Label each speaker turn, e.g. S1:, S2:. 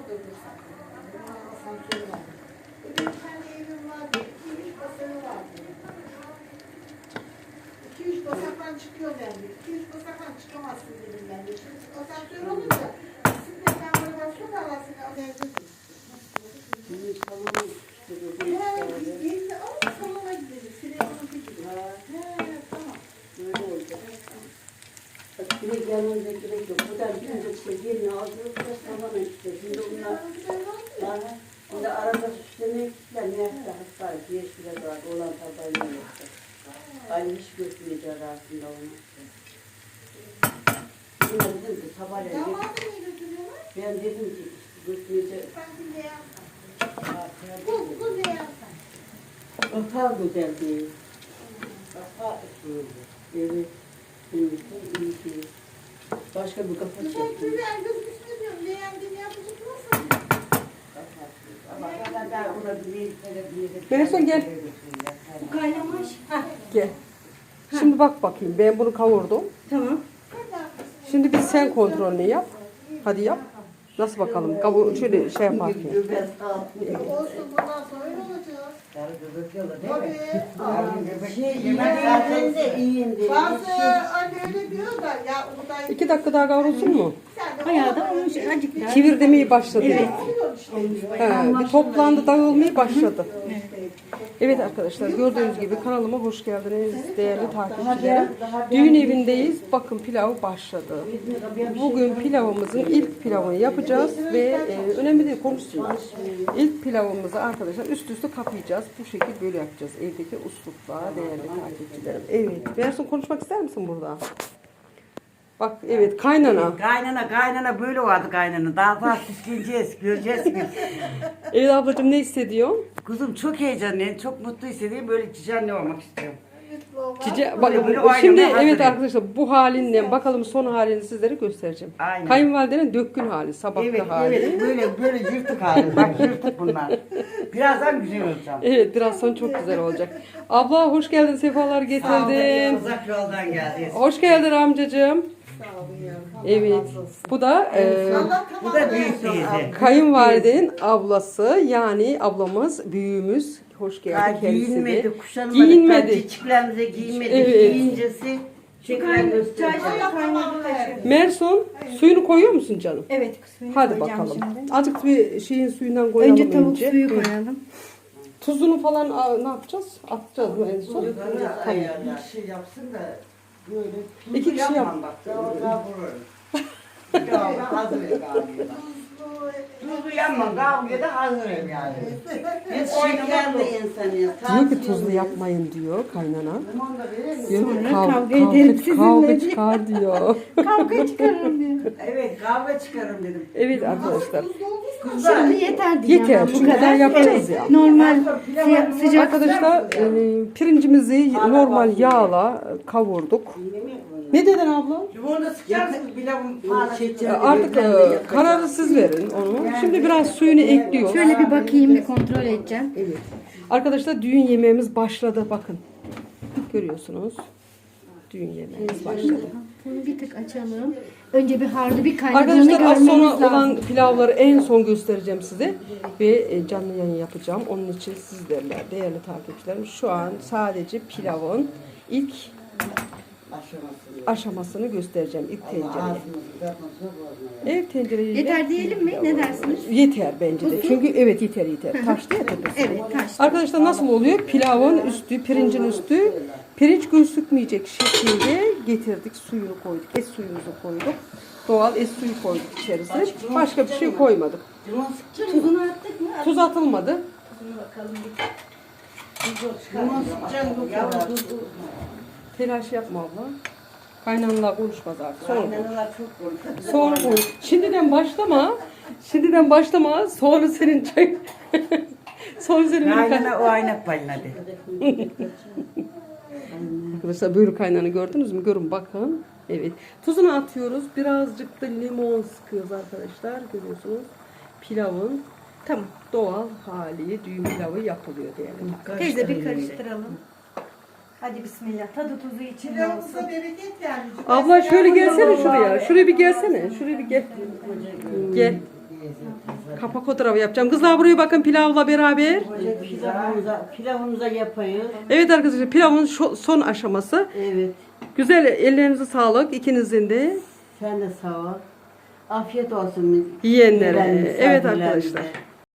S1: dedi zaten. Asansörü var. Bir tane evim vardı. 2-3 basağı vardı. 2-3 basaktan çıkıyor dendi. 2-3 basaktan çıkamazsın dedim ben de. Şimdi asansör olunca bisikletten böyle basıyor da arasını alacağız. Gezdi ama salona gidelim. Sinemanın gibi. Tamam.
S2: Böyle oldu. Direkt yanımıza gerek yok. Buradan birinci işte yerini alıyoruz da salona işte. Şimdi onlar şimdi arada süslemeye gittiler. Neyse hastaydı. Yeşile vardı. Olan tabayla yoktu. Ali hiç götürmeyeceğiz aslında onu. Yine dedim ki sabahleyin.
S1: Damadı niye götürüyorlar?
S2: Ben dedim ki götürmeyeceğiz.
S1: Sanki beyaz. Bu beyaz.
S2: Kapağı güzel değil. Kapağı evet. İyi ki. Başka bir kapak
S1: Güzel
S2: yok.
S1: güzel gözüküsünü diyorum. Beğendiğini yapacak olursa.
S3: Melisa gel.
S4: Bu kaynamış.
S3: Gel. Şimdi bak bakayım. Ben bunu kavurdum.
S4: Tamam.
S3: Şimdi bir sen kontrolünü yap. Hadi yap. Nasıl bakalım? Kabuğu şöyle şey yapar ki.
S1: Olsun bundan sonra öyle olacak. Tabii.
S2: Zaten de iyiyim.
S1: Bazı anne öyle diyor da ya buğday
S3: 2 dakika daha kavrulsun mu?
S4: Bayağı da olmuş. Azıcık daha.
S3: Kivir demeye başladı.
S1: oluyor işte.
S3: He, bir toplandı, dağılmaya başladı. Evet arkadaşlar, gördüğünüz gibi kanalıma hoş geldiniz değerli takipçilerim. Düğün evindeyiz. Bakın pilav başladı. Bugün pilavımızın ilk pilavını yapacağız ve önemli değil, konuşsunlar. İlk pilavımızı arkadaşlar üst üste kapayacağız. Bu şekilde böyle yapacağız. Evdeki uslupla değerli takipçilerim. Evet. Bersun konuşmak ister misin burada? Bak evet kaynana.
S5: Kaynana böyle vardı kaynana. Daha süsleyeceğiz, göreceğiz biz.
S3: Evet ablacığım ne hissediyorsun?
S5: Kuzum çok heyecanlıyım, çok mutlu hissediyorum. Böyle cici olmak istiyorum.
S3: Bak,
S5: Böyle oynamaya
S3: şimdi
S5: hazırım.
S3: evet arkadaşlar bu halinden bakalım son halini sizlere göstereceğim.
S5: Aynen.
S3: Kayınvalidenin dökkün hali, sabahta hali.
S5: Evet, böyle yırtık hali. Bak yırtık bunlar. Birazdan güzel olacağım.
S3: Evet biraz sonra çok güzel olacak. Abla hoş geldin, sefalar getirdin.
S5: Uzak yoldan geldiniz.
S3: Hoş geldin amcacığım. Evet. Bu da
S5: Bu da büyük teyze.
S3: kayınvalidenin ablası yani ablamız, büyüğümüz. Hoş geldi
S5: Daha
S3: kendisi de.
S5: giyinmedi, kuşanmadık.
S3: Giyinmedi.
S5: Çiçeklerimize giyinmedik.
S3: Evet.
S5: Giyincesi tekrar göstereceğim.
S3: Mersun suyunu koyuyor musun canım?
S4: Evet. Suyunu
S3: Hadi
S4: koyacağım
S3: bakalım.
S4: şimdi.
S3: Azıcık bir şeyin suyundan koyalım
S4: Önce tavuk suyu koyalım.
S3: Tuzunu falan ne yapacağız? Atacağız mı en son? Tamam.
S5: Bir şey yapsın da böyle tuzlu
S3: İki kişi yap.
S5: yapmam bak. Daha vururum. Daha hazır galiba. Tuzlu yapmam. Kavgada hazırım yani. Biz
S2: Şekerli insanıyız.
S3: Diyor ki tuzlu yapmayın diyor kaynana. Diyor ki
S4: Sonra
S3: kavga
S4: kavga ederim sizinle.
S3: çıkar diyor.
S4: Kavga çıkarırım diyor.
S5: evet kavga çıkarım dedim.
S3: Evet arkadaşlar.
S4: Şimdi yeter diyeceğim.
S3: Yeter,
S4: ben
S3: çünkü daha yapacağız ya.
S4: Normal sıcak
S3: Arkadaşlar pirincimizi normal yağla kavurduk. Ne dedin abla?
S5: Limonu sıkacaksınız pilavın falan.
S3: Artık kararı siz verin onu. Şimdi biraz suyunu ekliyor.
S4: Şöyle bir bakayım, bir kontrol edeceğim.
S3: Evet. Arkadaşlar düğün yemeğimiz başladı bakın. Görüyorsunuz. Düğün yemeğimiz başladı.
S4: Bunu bir tık açalım. Önce bir harlı bir kaynadığını
S3: Arkadaşlar az
S4: görmemiz
S3: sonra
S4: lazım.
S3: olan pilavları en son göstereceğim size. Ve canlı yayın yapacağım. Onun için sizlerle değerli takipçilerim şu an sadece pilavın ilk aşamasını göstereceğim. İlk tencereye. Evet tencereyi.
S4: Yeter diyelim mi? Ne dersiniz?
S3: Yeter bence de. Çünkü evet yeter. Taştı ya tepesi.
S4: Evet, taştı.
S3: Arkadaşlar nasıl oluyor? Pilavın üstü, pirincin üstü pirinç gözükmeyecek şekilde getirdik. Suyunu koyduk. Et suyumuzu koyduk. Doğal et suyu koyduk içerisine. Başka bir şey koymadık.
S4: Tuzunu attık mı?
S3: Tuz atılmadı.
S5: Limon sıkacaksın yavrum.
S3: Telaş yapma abla. Kaynanalar konuşmaz artık. Sonra konuş.
S5: Kaynalar çok konuşuyor.
S3: Sonra konuş. Şimdiden başlama. Şimdiden başlama. Sonra senin çay. Sonra senin
S5: Kaynana o aynak payladı.
S3: Arkadaşlar böyle kaynağını gördünüz mü? Görün bakın. Evet. Tuzunu atıyoruz. Birazcık da limon sıkıyoruz arkadaşlar. Görüyorsunuz. Pilavın tam doğal hali düğün pilavı yapılıyor diyelim.
S4: Teyze bir karıştıralım. Hadi bismillah. Tadı tuzu içinde olsun.
S1: Pilavımıza bereket geldi.
S3: Abla şöyle gelsene şuraya. Şuraya bir gelsene. Şuraya bir gel. Gel. Kapak fotoğrafı yapacağım. Kızlar buraya bakın pilavla beraber.
S2: Pilavımıza yapayız.
S3: Evet arkadaşlar pilavın son aşaması.
S2: Evet.
S3: Güzel ellerinize sağlık ikinizin de.
S2: Sen de sağ ol. Afiyet olsun.
S3: Yiyenlere.
S2: Gelen
S3: Evet
S2: misafirlerimize.
S3: arkadaşlar.